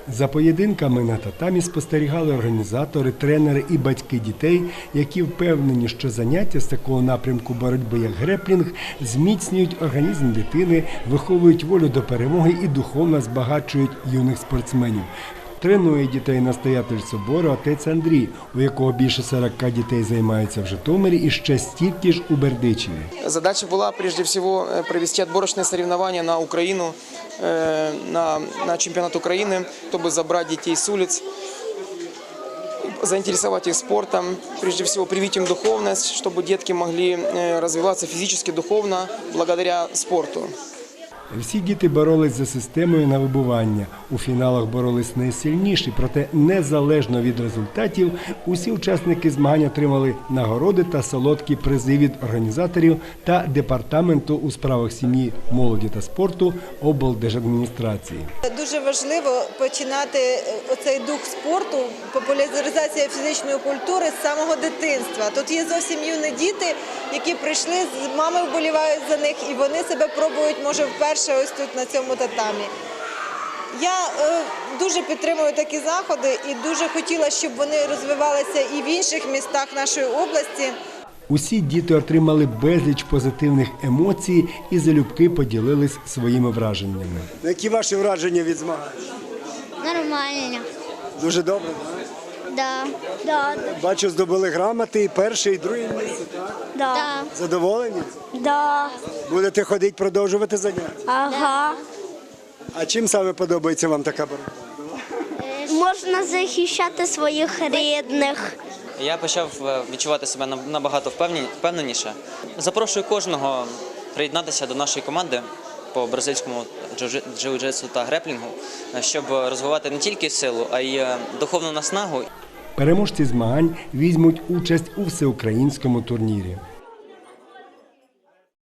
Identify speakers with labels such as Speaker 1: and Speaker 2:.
Speaker 1: За поєдинками на татамі спостерігали організатори, тренери і батьки дітей, які впевнені, що заняття з такого напрямку боротьби, як греплінг, зміцнюють організм дитини, виховують волю до перемоги і духовно збагачують юних спортсменів. Тренує дітей настоятель собору отець Андрій, у якого більше 40 дітей займаються в Житомирі і ще стільки ж у Бердичеві.
Speaker 2: Задача была, прежде всего, провести отборочные соревнования на Украину, на чемпионат Украины, чтобы забрать детей с улиц, заинтересовать их спортом, прежде всего привить им духовность, чтобы детки могли развиваться физически, духовно, благодаря спорту.
Speaker 1: Всі діти боролись за системою на вибування. У фіналах боролись найсильніші, проте незалежно від результатів усі учасники змагань отримали нагороди та солодкі призи від організаторів та департаменту у справах сім'ї, молоді та спорту облдержадміністрації.
Speaker 3: Дуже важливо починати оцей дух спорту, популяризація фізичної культури з самого дитинства. Тут є зовсім юні діти, які прийшли, мами вболівають за них і вони себе пробують, може, вперше ось тут на цьому татамі. Я дуже підтримую такі заходи і дуже хотіла, щоб вони розвивалися і в інших містах нашої області.
Speaker 1: Усі діти отримали безліч позитивних емоцій і залюбки поділились своїми враженнями.
Speaker 4: Які ваші враження від змагань?
Speaker 5: Нормально.
Speaker 4: Дуже добре, так?
Speaker 5: Да.
Speaker 4: Бачу, здобули грамоти, і перше, і друге місце, так?
Speaker 5: Да.
Speaker 4: Задоволені?
Speaker 5: Да.
Speaker 4: Будете ходити, продовжувати заняття?
Speaker 5: Ага.
Speaker 4: А чим саме подобається вам така боротьба?
Speaker 5: Можна захищати своїх рідних.
Speaker 6: Я почав відчувати себе набагато впевненіше. Запрошую кожного приєднатися до нашої команди по бразильському джиу-джитсу та греплінгу, щоб розвивати не тільки силу, а й духовну наснагу.
Speaker 1: Переможці змагань візьмуть участь у всеукраїнському турнірі.